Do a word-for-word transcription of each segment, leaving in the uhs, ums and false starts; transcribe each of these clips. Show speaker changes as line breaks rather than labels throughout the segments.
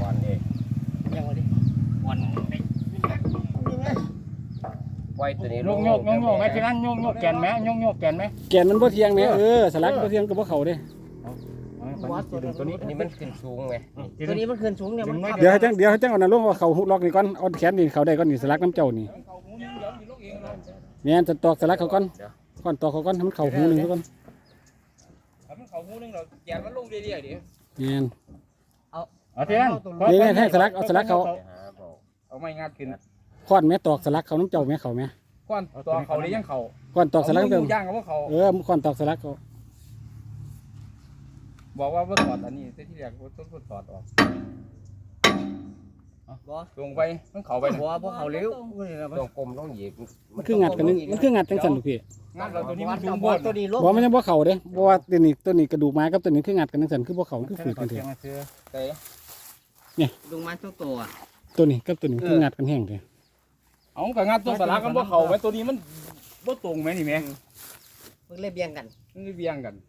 อนเองยังไงดิอ่อนไว้ตัวนี้โยกโยกโยกโยกไอ้ที่นั่นโยกโยกแกนไหมโยกโยกแกนไหม
แกนมันบ่เทียงไหมเออสลักบ่เทียงกับบ่เขาเด้
ตัวนี้อันนี้มันขึ้นสูงไง
ตัวนี้มันขึ้นสูงเนี่ยมัน
เดี๋ยวให้จังเดี๋ยวให้จังเอาหน้าลงว่าเขาฮุกล็อกนี่ก่อนเอาแขนนี่เขาได้ก่อนนี่สลักน้ำเจ้านี่เนี่ยจะตอกสลักเขาก่อนก่อนตอกเขาก่อนให้มันเข่าหูนึงซะก่อน
มันเข่าหูนึงเราแกนมันลงเรื่อยๆดิ
เนี่ย
เอาเอาที่นั่น
นี่นี่ให้สลักเอาสลักเขา
เอาไม่งัดขึ้น
ก้อนแม่ตอกสลักเขาน้ำเจ้าแม่เขาแม่
ก้อนตอกเขาได้ยังเขา
ก้อนตอกสลักเจ้า
ย่างกับพวกเขา
เออก้อนตอกสลักเขา
บอกว่าเมื่อถอดอันนี้ที่แรกว่าต้องถอดออกลงไปมันเข่าไป
บัวพวกเขาเลี้ยว
ต้องกลมต้องเหยียบ
มันคืองัดกันนึงมันคืองัดจังสันลูกพี่
งัดเราตัวนี้มันสูงบน
ตัวนี้ลง
บอกมันยังบ่เข่าเด้เพราะว่าตัวนี้ตัวนี้กระดูกไม้กับตัวนี้คืองัดกันจังสันคือบ่เข่าคือฝืดกันเถอะ
เนี่ยลงมาทุกตัว
ตัวนี้กับตัวนี้คืองัดกันแห้งเถอะ
เอากับงัดตัวสลักกันบ่เข่าไหมตัวนี้มันบ่ตรงไหมนี่แม่
มึงเล่นเบียงกัน
มึงเล่นเบียงกัน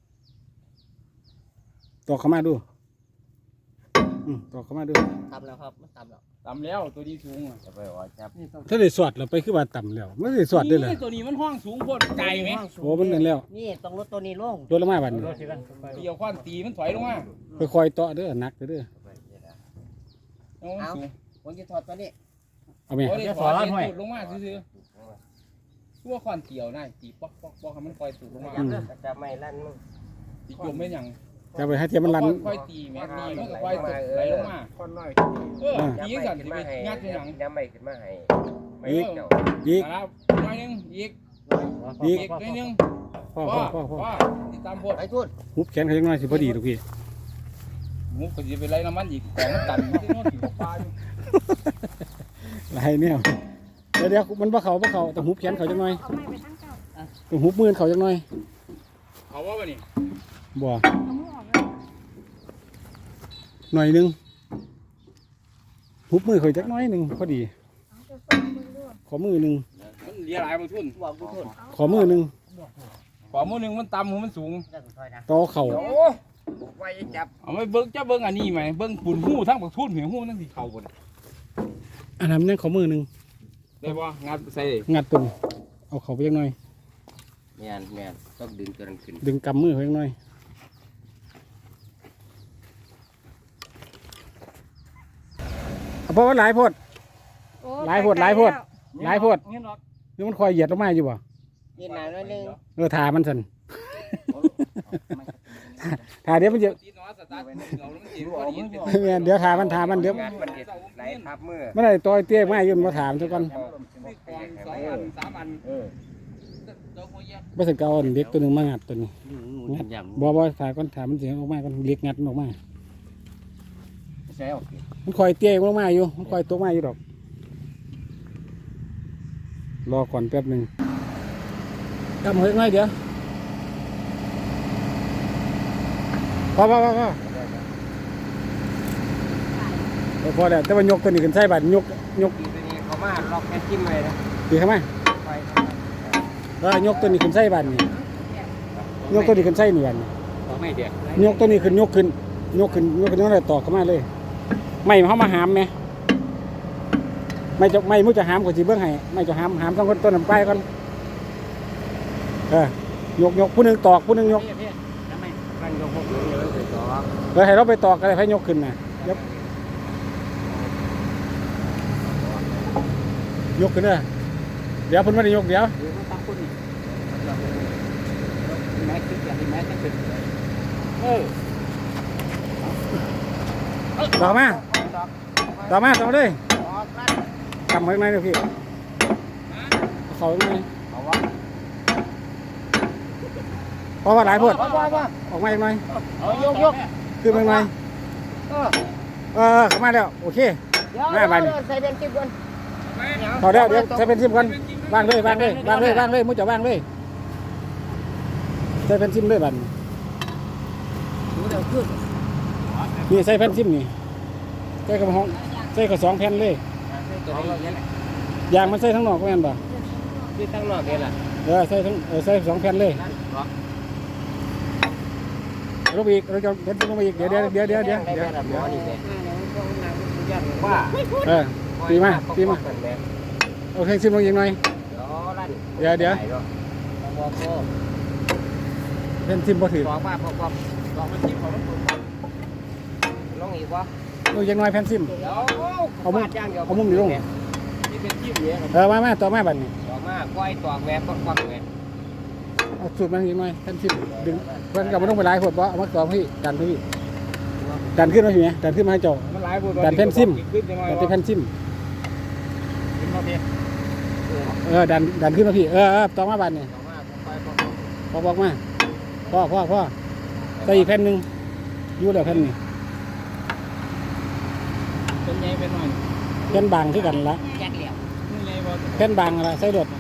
ตอกเข้ามาดูอืมตอกเข้ามาดู
ต่ำแล้วครับมันต่ำแล้ว
ต่ำแล้วตัวนี้สูงจะไปว่าจับ
ถ้าได้สวดเราไปคือว่าต่ำแล้วไม่ได้สวดได้เลย
ตัวนี้มันห้องสูงโคตรไกลไหม
โอ้มันนั่นแล้ว
นี่ต้องลดตัวนี้ลง
ลดลงมาบัดนี้
เกี่ยวข้อนตีมันถอยลงมา
ค่อยๆต่อเด้อหนักเด้อ
เอาผมจะถอดตัวนี้
เอาไหม
จะถอดลงมาซื่อๆตัวข้อนเกี่ยวได้ตีป๊อกป๊อกป๊อกให้มันคอยสูงลงมา
จะไม่ลั่นมึง
ตีจมไม่ยัง
จะไปให้เทียมมันรัน
ค่อยตีแม่ตีมันก็ค่อยตกไหลลงมา
ค่อนน้อย
เออตีสั่นสิไปงัดยัง
ยังไม่ขึ้นมาให้
อีกอีก
แล้วน้อยนึงอีก
อีก
น้อยนึง
พ่อพ่อพ่อพ่อ
ติดตามพด
ไอ้ทุน
หุบแขนเขายังน้อยสิพอดีลูกพี่
มุกก็จะไปไล่น้ำมันอีกของมันตันที่โน่นที่ปลาอยู่
ไรเนี่ยเดี๋ยวเดี๋ยวมันบ่เขาบ่เขาต้องหุบแขนเขาจังหน่อยต้องหุบมือเขาจังหน่อย
เขาว่าแบบนี้
บ่หน่อยนึงหุบมือเขาจักน้อยนึงพอดีขอมือนึง
มันเลี้ยหลายมาทุน
ขอมือนึง
ขอมือนึงมันต่ำมันสูง
ต่อเข่า
ไว้จับเอาไม่เบิ้งจะเบิ้งอันนี้ไหมเบิ้งปุ่นหูทั้งบักทุนเหวหูทั้งที่เข่าบน
อันนั้นนั่นขอมือนึง
ได้ป่ะงัดใส่
งัดตุ่มเอาเขาไปจักหน่อย
แม่นแม่นต้องดึงตัวนั้นขึ้น
ดึงกำมือเขาจักหน่อยเพราะว่าหลายพดหลายพดหลายพดหลายพดนี่มันคอยเหยียดลงมาอยู่บ่
ยืนหนาหน่อยนึง
เออถ่ามันสันถ่าเดี๋ยวมันจะเดี๋ยวถ่ามันถ่ามันเดี๋ยวไม่ได้ต่อยเตี้ยไม่ยืนมาถามทุกคนไม่ใช่เกาเด็กตัวหนึ่งมางัดตัวนี้บ่บ่ถ่าก้อนถ่ามันเสียงออกมาก้อนเล็กงัดออกมามันคอยเตี้ยลงมาอยู่มันคอยตัวมาอยู่ดอกรอก่อนแป๊บหนึ่งกำหัวง่ายเดี๋ยวพอพอพอพอพอแล้วแต่ว่ายกตัวนี้ขึ้นใส่บัตรยกยก
ตัวนี้เขามาล็อกแค่จิ้มเลยนะ
ตีเข้ามาแล้วยกตัวนี้ขึ้นใส่บัตรนี่ยกตัวนี้ขึ้นใส่เหนียน
ไม่เดีย
ดยกตัวนี้ขึ้นยกขึ้นยกขึ้นยกขึ้นยกอะไรต่อเข้ามาเลยไม่เขามาหามไหมไม่จะไม่มุจะหามกว่าจีเบื้องให้ไม่จะหามหามต้องคนต้นน้ำไปก่อนเออยกยกผู้หนึ่งตอกผู้หนึ่งยกเออให้เราไปตอกอะไรให้ยกขึ้นนะยกยกขึ้นเลยเดี๋ยวพุ่นไม่ได้ยกเดี๋ยวต่อมาต่อมาต่อเลยทำไว้ไหมเนี่ยพี่เขาไหมเพราะว่าหลายพวดออกมาอีกหน่อย
ยกยก
ขึ้นมาอีกหน่อยเออเข้ามาแล้วโอเคมาบ้าน
ใส่เป็นจิ้มกัน
พอแล้วเดี๋ยวใส่เป็นซิมกันวางเลยวางเลยวางเลยวางเลยมุ้งจะวางเลยใส่เป็นซิมเลยบ้านนี่ใส่แผ่นซิมนี่ใส่กระห้องใส่กระสองแผ่นเลยยางมันใส่ทั้งนอกก็แม่นบ่
ที่ทั้งนอกนี่แหละ
เออใส่ทั้งเออใส่สองแผ่นเลยเอลงไปอีกเราจะเห็นลงไปอีกเดี๋ยวเดี๋ยวเดี๋ยวเดี๋ยวเดี๋ยวเดี๋ยว
หมอนี่แหละว่า
เออตีมาตีมาโอเคซิมลงอีกหน่อยเดี๋ยวเดี๋ยวเห็นซิมบ่ถือ
บอกว่าพอพอบอกมันจิ้มของมันลงอีกวะ
ลงอีกหน่อยแผ่นซิม
เอามุมย่างเดียว
เอามุมอยู่ลง
ที่เป็นจิ้มเนี่ย
เออมามาต่อมาบัดนี้
บอกมาก้อยตอกแหวนควักแหวน
เอาสูตรมันอีกหน่อยแผ่นซิมดึงเพื่อนกับมันต้องไปหลายขวดบ่เอามาต่อพี่ดันพี่ดันขึ้นมาพี่ไหมดันขึ้นมาให้เจ้า
มันหลายคน
ดันแผ่นซิม
ขึ้นยังไง
ดันที่แผ่นซิม
ขึ้นมาพี่
เออดันดันขึ้นมาพี่เออเออต่อมาบัดนี้
บอกมาก้อย
พอบอกมาพ่อพ่อพ่อใส่อีกแผ่นหนึ่งอยู่แล้วแผ่นนี้
เป็นไงเป็นหน่อย
แผ่นบางที่กันละ
แจ็คเหลี่ยม
นี่ไงบ่
แผ่นบางอะไรใส่รถ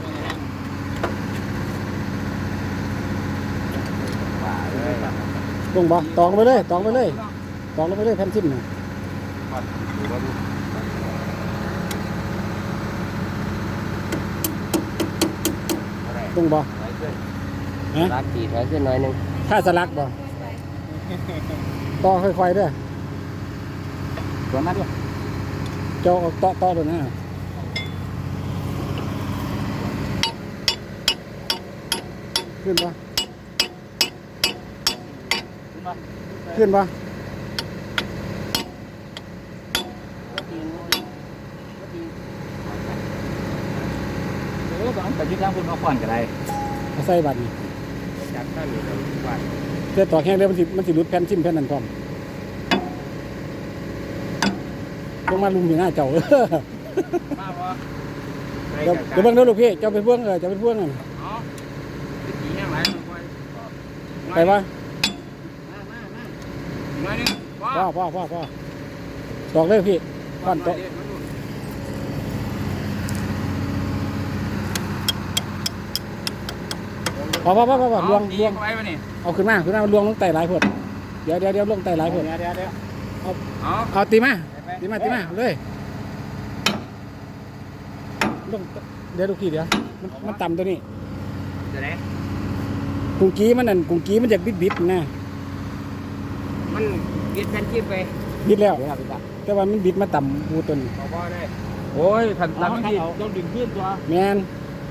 ว่าเลย
ลงบ่ตองไปเลยตองไปเลยตองลงไปเลยแผ่นซิมน่ะ
ดูว่าดูอะไร
ลงบ่
ถอยขึ้น
ฮะ
รักตีถอยขึ้นหน่อยนึง
ถ้าสลักบ่ต่อค่อยๆเด้อ
สวนมาด้วย
เจ้าเอาต่อต่อตัวนั้นน่ะขึ้นบ่ขึ้นบ่
เออต้องไปยึดทางคุณมาก่อนก็ได้
เอาใส่บัตรนี่
จากท่านนี่เราว่า
เดี๋ยวต่อแห้งเดี๋ยวมันสิมันสิหลุดแผ่นซิมแผ่นนั้นพร้อมลงมาลุมอยู่หน้าเจ้า เออ
มาบ่
เดี๋ยวเดี๋ยวเบิ่งเด้อลูกพี่เจ้าเป็นพวงเออเจ้าเป็นพวงนั่น
อ๋อสีแห้งหลายมันค่อย
ไปบ่
มามามาหน่อยนึง
พ่อพ่อพ่อพ่อตอกเลยพี่ก่อนตอกพ่อพ่อพ่อพ่อพ่อลวงลวง
ไว้ป่ะนี่
เอาขึ้นมาขึ้นมาลวงลงไต่หลายพดเดี๋ยวเดี๋ยวเดี๋ยวลงไต่หลายพด
เดี๋ยวเดี๋ยวเดี๋ยวเอา
เอาตีมาตีมาตีมาเลยลงเดี๋ยวลูกพี่เดี๋ยวมันมันต่ำตัวนี้
จะไหน
กุ้งกี้มันนั่นกุ้งกี้มันจะบิดบิดๆนะ
มันยึดแผ่นจิ้มไป
บิดแล้ว
เดี๋ยวครับพี่ตั๊ก
แต่ว่ามันบิดมาต่ำบูตัวนี้
บอกว่าได้
โอ้ยขันตันมันดีต้องดึงขึ้นตัว
แมน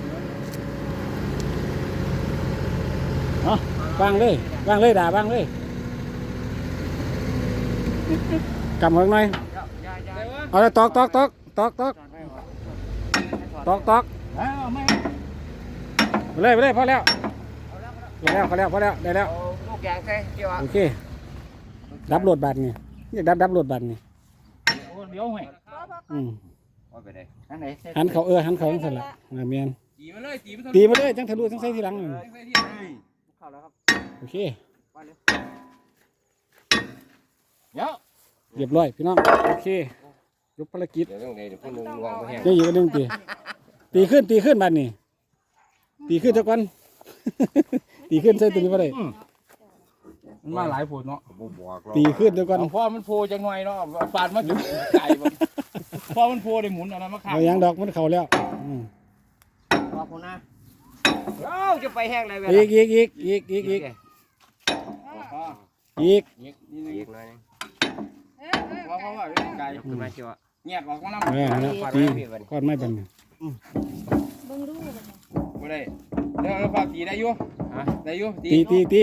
เอาวางเลยวางเลยด่าวางเลยกำหัวหน่อย
ยายาย
เอาแล้วตอกตอกตอกตอกตอกตอกตอก
เอาไม่
ไปเลยไปเลยพอแล้วพอแล้วพอแล้วพอแล้วได้แล้ว
เอาลูกแกงใส่เกี่ยวอ่ะ
โอเคดับโหลดบัตรนี่อยากดับดับโหลดบัตรนี่
เดี๋ยวให้
อืม
เอาไปได้
อันไหน
หันเขาเออหันเขาจังสั่นละน่ะแมน
ตีมาเลยตีมา
ตีมาเลยจังทะลุจังใส่ทีหลังนั่น
ใส่ที่ไหน
เข้าแล้วครับ
โอเค
ว่าเลย
เดี๋ยว
เรียบร้อยพี่น้องโอเคยกภารกิจ
เดี๋ยวต้องเลยเดี๋ยวพวกนึงวางไปแห้ง
เดี๋ยวอยู่กันหนึ่งตีตีขึ้นตีขึ้นบัตรนี่ตีขึ้นเจ้าก่อน ตีขึ้นใส่ตัวนี้มาเลย
มันมาหลายผลเนาะ
ผมบอกเรา
ตีขึ้นเจ้าก่อน
พ่อมันโพจังหน่อยเนาะปาดมาจุดไก่บ่พ่อมันโพได้หมุนอะไรมาขาย
เอายางดอกมันเข่าแล้วอืม
บอกคนนะเอ้าจะไปแห้งอะไรเวลา
อีกอีกอีกอีกอีกอีกอีก
อีกนิดนึง
อีกหน่อยนึง
เพราะเพราะว่าไก่
ยกขึ้นมาเชียว
เงียบออกมาน้
เออนั่นแหละตีก้อนไม้บันนี่
เบิ่งดูบัดนี้
ำบ่ได้เดี๋ยวเราฝากตีได้อยู่
ฮะ
ได้อยู่
ตีตีตี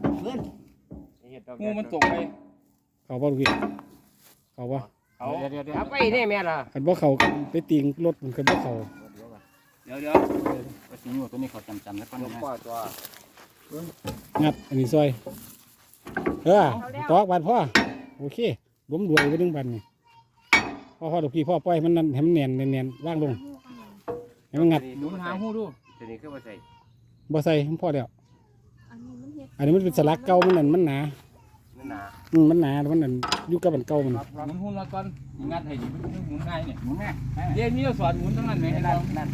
งูมันตกไป
เขาบ่ลูกพี่เขาบ่
เขาเดี๋ยวเดี๋ยว
เอาไปนี่แม่ล่ะ
คันบ่เขาไปตีงรถมันคันบ่เขา
เดี๋ยวเดี๋ยวไปตีงูตัวนี้เขาจำจำแล้วก็
ยก
นะ
ป้อตัว
งัดอันนี้ซอยเออตอกบานพ่อโอเคล้มรวยไปดึงบันนี่พ่อพ่อลูกพี่พ่อปล่อยมันนั่นให้มันแน่นแน่นๆว่างลงให้มันงัด
หนุนหาหูดู
ตัวนี้ขึ้นมาใส่
บ่ใส่ให้พ่อแล้ว
อันนี้มันเฮ็ด
อันนี้มันเป็นสลักเก่ามันนั่นมันหนา
นั่นน่ะ
อืมมันหนามันนั่นอยู่กับมันเก่ามัน
หมุนหูมาก่อนงัดให้ดิมันหมุนง่ายเนี่ยหมุนแม่เดี๋ยวมีเราสอนหมุนทั้งนั้นไหมนั่นนั่น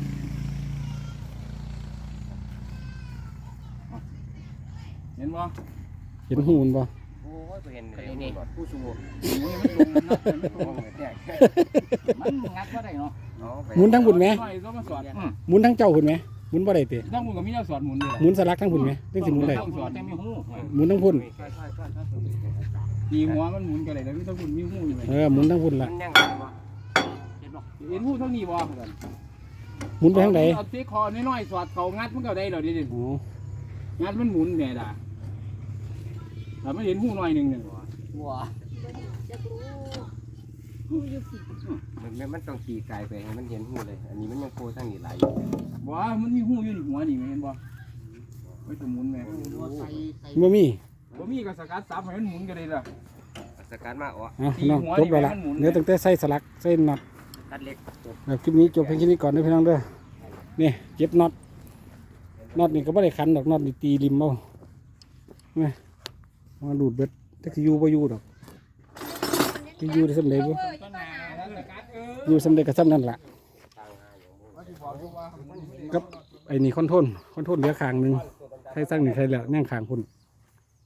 เห็นบ่
เห็นหูมันบ่
โอ้ยไปเห็นเลยนี่ผู้สูง
หมุนมันลงนะมันลงมันงัดก็ได้เนาะ
หมุนทั้งบุญไหม
ก็มาสอน
หมุนทั้งเจ้าหุ่นไหมหมุนบ่ได้ติ
ต้องมุนกับมีแนวสอนหมุนเลย
หมุนสลักทั้งพุ่นไหมเรื่องสิหมุนได้
ต้องสอน
แต่มีหู
หมุนทั้งพุ่น
ใช่ใช่ใช่ใช่
ตีหัวมันหมุนกันเลยแล้วมีต้องหุ่นมีหูอยู่ไหม
เออหมุนทั้งพุ่น
มั
ละ
นยังไงวะเห็นบอก
เห็นหูเท่านี้บ่กัน
หมุนไปทางไหน
เอาที่คอน้อยๆสอดเขางัดมันก็ได้ดอกดิ
อ๋อ
งัดมันหมุนแม่ด่าแต่ไม่เห็นหูหน่อยหนึ่งหนึ่ง
วัว
จะรู้หูอยู่ผิด
มันมันต้องตีไกลไปให้มันเห็นหูเลย อันนี้มันยังโคทั้งนี้ไหล
บ่มันมีหูอยู่ในหัวนี่เห็นบ่ไม่ต้องหมุนแม่
บ่มี
บ่มีก็สกัดซับให้มันหมุนกันเลยล่ะ
สกัดมาอ๋อ
อ่ะพี่น้องจบแล้วล่ะเหลือตั้งแต่ใส่สลักใส่น็อต
ตัดเล็ก
แล้วคลิปนี้จบเพียงแค่นี้ก่อนนะพี่น้องเด้อนี่เก็บน็อตน็อตนี่ก็ไม่ได้ขันดอกน็อตนี่ตีริมเอาไงมาดูดเบ็ดแต่คืออยู่บ่อยู่ดอกที่อยู่ได้สำเร็จบ่
ต้นหนาสกัดเออ
อยู่สำเร็จก็สำนั่นล่ะ
ต่างหาอย่างมู
ว่าสิบอกอยู่ว่า
กับไอ้นี่คอนโทรลคอนโทรลเหลือข้างหนึงใครสร้างนี่ใครแล้วย่างข้างพุ่น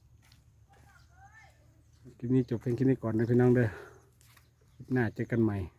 คลิปนี้จบเพียงแค่นี้ก่อนนะพี่น้องเด้อคลิปหน้าเจอกันใหม่